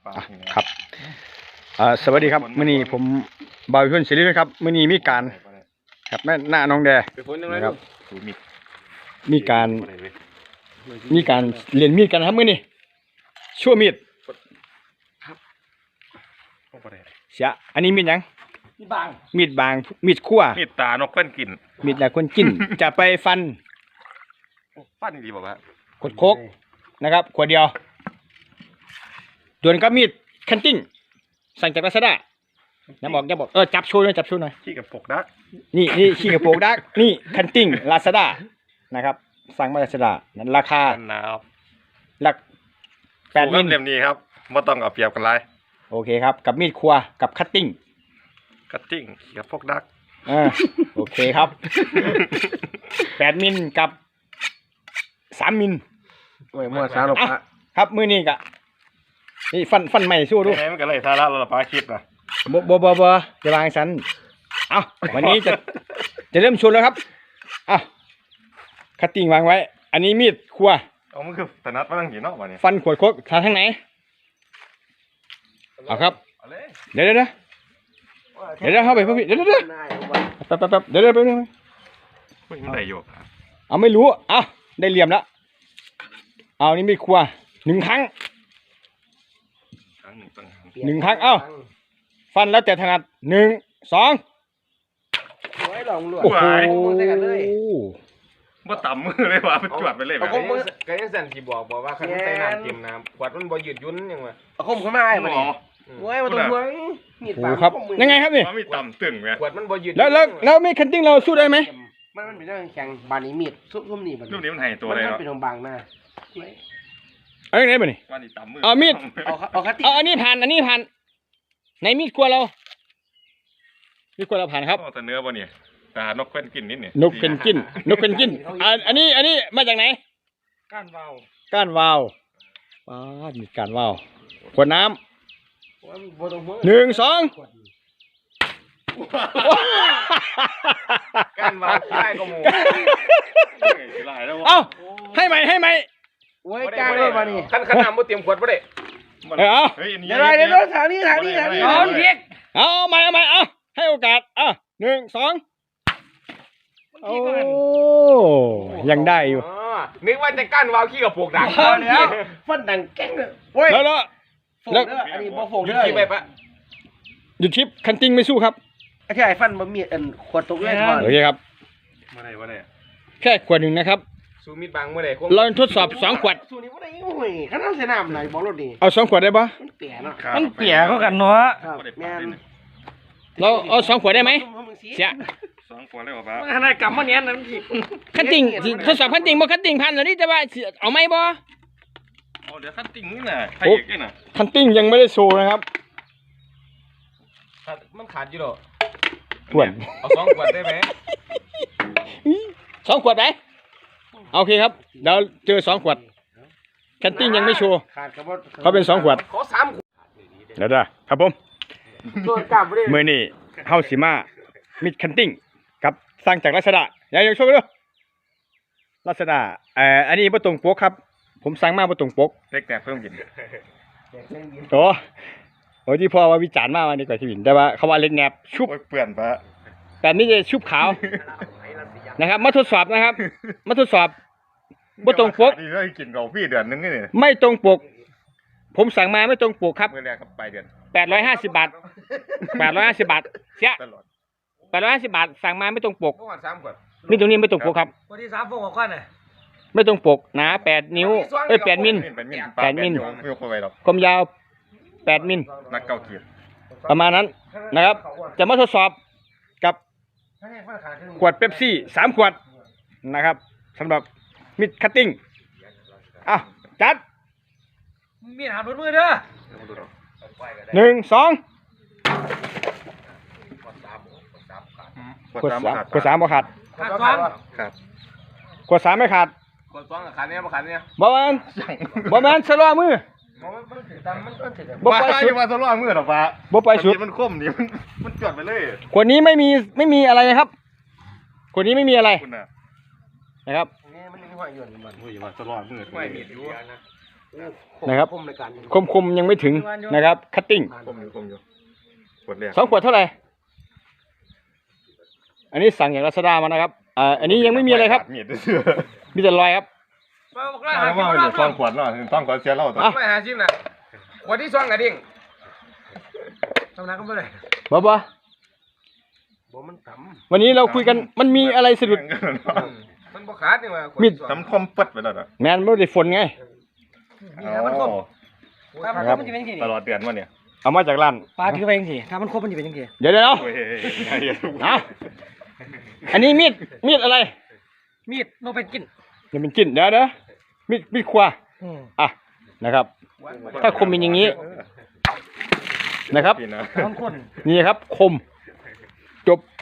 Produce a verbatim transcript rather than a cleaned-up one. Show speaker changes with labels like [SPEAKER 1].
[SPEAKER 1] ครับสวัสดีครับมื้อนี้ผมบ่าวชนศิริวิทย์ครับมื้อนี้มีการครับแม่หน้าน้องแดนะครับมีการมีการเรียนมีดกันครับมื้อนี้ชั่วมีดเสียอันนี้มีดหยังมีดบางมีดบางมีดคั่ว
[SPEAKER 2] มีดตานกเล่นกิน
[SPEAKER 1] มีดแต่คนกินจะไปฟัน
[SPEAKER 2] ฟันดีบอกว่า
[SPEAKER 1] ขวดโคกนะครับขวดเดียวส่วนกับมีดคันติ้งสั่งจากลาซาด้าอย่าบอกอย่าบอกเออจับโชว์หน่อยจับโชว์หน่อย
[SPEAKER 2] ขี้กับปกดัก
[SPEAKER 1] นี่นี่ขี้กับปกดักนี่คันติ้งลาซาด้านะครับสั่งมาลาซาด้านั้นราคาหลักแปดมิล
[SPEAKER 2] เล่มนี้ครับไม่ต้องเอาเปรียบกันไร
[SPEAKER 1] โอเคครับกับมีดครัวกับคัตติ้ง
[SPEAKER 2] คัตติ้งขี้กับปกดัก
[SPEAKER 1] อ่าโอเคครับแปดมิลกับสามมิล
[SPEAKER 2] โอ้ยมั่วซาลบะ
[SPEAKER 1] ครับมือนี้กะนี่ฟันฟันใหม่สู้ดู
[SPEAKER 2] ไงมันก็เลยซาละเราปาคลิปนะ
[SPEAKER 1] บ่บ่บ่บ่จะวางฉันเอาวันนี้จะจะเริ่มชนแล้วครับเอาคัตติ้งวางไว้อันนี้มีดครัว
[SPEAKER 2] เอามันคือถนัดมาตั้งกี่นอกวันนี้
[SPEAKER 1] ฟันขวดโคกทางทางไหนเอาครับเดี๋ยวเดี๋ยวเดี๋ยวเดี๋ยวเข้าไปเพื่อนเดี๋ยวเดี๋ยวแป๊บแป๊บแป๊บเดี๋ยวเดี๋ยวแป๊บนึง
[SPEAKER 2] มันได้อยู่
[SPEAKER 1] เอาไม่รู้เอาได้เหลี่ยมแล้วเอานี่มีดครัวหนึ่งครั้งหนึ่งครั้งเอ้าฟันแล้วแต่ถนัดหนึ่งสอง
[SPEAKER 3] โอ้ยหลงหลวง
[SPEAKER 1] โอ้โห
[SPEAKER 2] ว่าต่ำมือเลยว่ะมันจวดไปเลยแบบ
[SPEAKER 3] นี้ก็ยังสั่นที่บอกบอกว่าคันใส่น้ำเต็มน้ำขวดมันบ่หยุดยุ่นยังไงเอาคมขึ้นมาไอ้มันโอ้ยมาตัวหัวมีดปาก
[SPEAKER 1] ครับยังไงครับนี่
[SPEAKER 2] มีต่ำตึงไง
[SPEAKER 3] ขวดมันบ่หยุด
[SPEAKER 1] แล้วแล้วแล้วมีดคันติ้งเราสู้ได้ไหม
[SPEAKER 3] มันมันเป็นเรื่องแข็งบานนี้มีดซุ่มนี่มัน
[SPEAKER 2] รูปนี้มันหายตัวเลย
[SPEAKER 3] มันเป็นของบางหน้า
[SPEAKER 1] เอาอย่างไรบ้านี่เอามีด
[SPEAKER 3] เอาเอาคัตติ้ง
[SPEAKER 1] เอาอันนี้ผ่านอันนี้ผ่านในมีดครัวเรามีดครัวเราผ่านครับ
[SPEAKER 2] แต่เนื้อบ่เนี่ยตานกเป็นกินนิดเนี่ย
[SPEAKER 1] นกเป็นกินนกเป็นกินอันอันนี้อันนี้มาจากไหน
[SPEAKER 3] ก้านวาว
[SPEAKER 1] ก้านวาวว้ามีก้านวาวขวดน้ำหนึ่งสอง
[SPEAKER 3] ก้านวาวได้ก็มู
[SPEAKER 1] เอ้าให้ไหมให้ไหม
[SPEAKER 3] โอ้ยก้านเลยมานี่ขันขันน้ำบ่เตรียมขวดบ่ได้
[SPEAKER 1] เอา
[SPEAKER 3] เดี๋ยวเดี๋ยวทางนี้ทางนี้ทางนี้เอาเพียก
[SPEAKER 1] เอาใหม่เอาใหม่เอาให้โอกาสอ่ะหนึ่งสองโอ้ยังได้อยู่
[SPEAKER 3] นึกว่าจะกั้นวาวขี้กับปวกดังแล้วฟันดังแก้งเลย
[SPEAKER 1] แล้วแล้ว
[SPEAKER 3] แล้วอันนี้บ่ฟงหยุดคลิปไปปะ
[SPEAKER 1] หยุดคลิปคันติ้งไม่สู้ครับ
[SPEAKER 3] แค่ไอ้ฟันมันมีอันขวดตกเลยทอน
[SPEAKER 1] โอเคครับ
[SPEAKER 2] มาไหนมาไหน
[SPEAKER 1] แค่ขวดหนึ่งนะครับ
[SPEAKER 3] สูมิดบางเมื่อไหร่
[SPEAKER 1] เราทดสอบสองขวด
[SPEAKER 3] สูนี้ว่าได้โอ้ยขนาดเสนามไหนบอกรถดี
[SPEAKER 1] เอาสองขวดได้ปะ
[SPEAKER 3] มันเปียเนาะ
[SPEAKER 1] มันเปียเขากันเนาะเราเอาสองขวดได้ไหมเสีย
[SPEAKER 2] สองขวดได้ป่ะ
[SPEAKER 3] ขนาดกำมันเนี้ยนั่นผิด
[SPEAKER 1] คันติ้งทดสอบคันติ้งบ่คันติ้งพันแล้วนี่จะว่าเอาไหมบ่
[SPEAKER 2] โอ้เดี๋ยวคันติ้งนี่น่ะใครอีกนี่น่ะ
[SPEAKER 1] คันติ้งยังไม่ได้โชว์นะครับ
[SPEAKER 3] มันขาดอยู่หรอ
[SPEAKER 1] ขวด
[SPEAKER 3] เอาสองขวดได้ไหม
[SPEAKER 1] สองขวดไหมโอเคครับเดี๋ยวเจอสองขวดคันติ้งยังไม่โชว์เขาเป็นสองขวด
[SPEAKER 3] ขอสามขวด
[SPEAKER 1] เดี๋ยวครับผมเมื่อนี่เฮาสิมามิดคันติ้งกับสร้างจากลาซาด้าอย่าอย่าโชว์ด้วยลาซาด้าเอ่ออันนี้บ่ตรงปกครับผมสั่งมาบ่ตรงปก
[SPEAKER 2] เล็กแต่เพิ่มกิน
[SPEAKER 1] โอ้โหที่พ่อว่าวิจารณ์มากวันนี้กว่าที่วินแต่ว่าเขาว่าเล็กแนบชุบ
[SPEAKER 2] เปื่อนปะ
[SPEAKER 1] แต่นี่จะชุบขาวนะครับมาทดสอบนะครับมาทดสอบบ่ตรงปก
[SPEAKER 2] นี่ได้กินกับพี่เดือนนึงนี่
[SPEAKER 1] ไม่ตรงปกผมสั่งมาไม่ตรงปกครับ
[SPEAKER 2] เมื่อไรครับปลายเดือน
[SPEAKER 1] แปดร้อยห้าสิบบาทแปดร้อยห้าสิบบาทเสียแปดร้อยห้าสิบบาทสั่งมาไม่ตรงปกนี่ตรงนี้ไม่ตรงปกครับ
[SPEAKER 3] วันที่สามฟงออกก่อนน่ะ
[SPEAKER 1] ไม่ตรงปกหนาแปดนิ้วเอ้ยแปดมิลแปดมิลความยาวแปดมิล
[SPEAKER 2] นักเก่าเกียร์
[SPEAKER 1] ประมาณนั้นนะครับจะมาทดสอบกับขวดเป๊ปซี่สามขวดนะครับสำหรับมิดคัตติ้งอ่ะจัด
[SPEAKER 3] มีดหาบนมือเด้อ
[SPEAKER 1] หนึ่งสองขวดสามขวดสามบ่ขาด
[SPEAKER 3] ขาดสอง
[SPEAKER 2] ครับ
[SPEAKER 1] ขวดสามไม่ขาด
[SPEAKER 3] ขวดสองขาดเนี้ยบ่ขาดเนี้ย
[SPEAKER 1] บ่แม่นบ่แม่นสลอมือ
[SPEAKER 2] บ่ไปสุดมาสลอมือหรอกปะ
[SPEAKER 1] บ่ไปสุด
[SPEAKER 2] มันคมนี่มันมันจอดไปเลย
[SPEAKER 1] ขวดนี้ไม่มีไม่มีอะไรนะครับขวดนี้ไม่มีอะไรนะครับ
[SPEAKER 3] นี่มันมีห้อยหย่อนมัน
[SPEAKER 2] ห้อยมาสลอมือ
[SPEAKER 3] ห้อยมีดอยู่
[SPEAKER 1] นะครับ
[SPEAKER 3] คมในการ
[SPEAKER 1] คมคมยังไม่ถึงนะครับคัตติ้ง
[SPEAKER 2] คมอยู่คมอยู่ขวดแรก
[SPEAKER 1] สองขวดเท่าไหร่อันนี้สั่งจากลาซาด้ามานะครับอ่าอันนี้ยังไม่มีอะไรครับ
[SPEAKER 2] มีดเสื้อ
[SPEAKER 1] มีแต่รอยครับ
[SPEAKER 3] มาบอก
[SPEAKER 2] ว่า
[SPEAKER 3] ว่าหา
[SPEAKER 2] ว่า
[SPEAKER 3] กิน
[SPEAKER 2] เดี๋ยว
[SPEAKER 3] บ่
[SPEAKER 2] ซ่อ
[SPEAKER 3] ได้
[SPEAKER 2] งขวดเนาะซ่องขวดเสียเล่าต่อ
[SPEAKER 1] อ่ะ
[SPEAKER 3] ไม่หาชิมน่ะขวดที่สองกระดิ่งทำนักก็ไม่ได้
[SPEAKER 1] บ๊อบบ๊อบ
[SPEAKER 3] บ่มันต่ำ
[SPEAKER 1] วันนี้เราคุยกันมันมีอะไรสะดุด
[SPEAKER 3] มันบ่ขาดนี่ว่าขวด
[SPEAKER 1] มีด
[SPEAKER 3] ที่สอง
[SPEAKER 2] ทำคมปัดไปแล้วนะ
[SPEAKER 1] แมนไม่ได้ฝนไง
[SPEAKER 3] นี่นะมันคม
[SPEAKER 4] ถ้ามันครบมันจะเป็นยังไง
[SPEAKER 2] ตลอดเดือนวะเนี่ย
[SPEAKER 1] เอามาจากร้าน
[SPEAKER 4] ปลาถือไปยังไงถ้ามันครบมันจะเป็นยังไง
[SPEAKER 1] เดี๋ยวเดี๋ยว
[SPEAKER 2] โอ้ย
[SPEAKER 1] เอาอันนี้มีดมีดอะไร
[SPEAKER 4] มีดโนเป็นกิน
[SPEAKER 1] เดี๋ยวมันกินเดี๋ยวเดี๋ยวมีดมีดครัว
[SPEAKER 4] อืม
[SPEAKER 1] อ่ะนะครับ ถ้าคมเป็นอย่างนี้นะครับ
[SPEAKER 2] พี่นะ
[SPEAKER 4] บางคน
[SPEAKER 1] นี่ครับคม จบ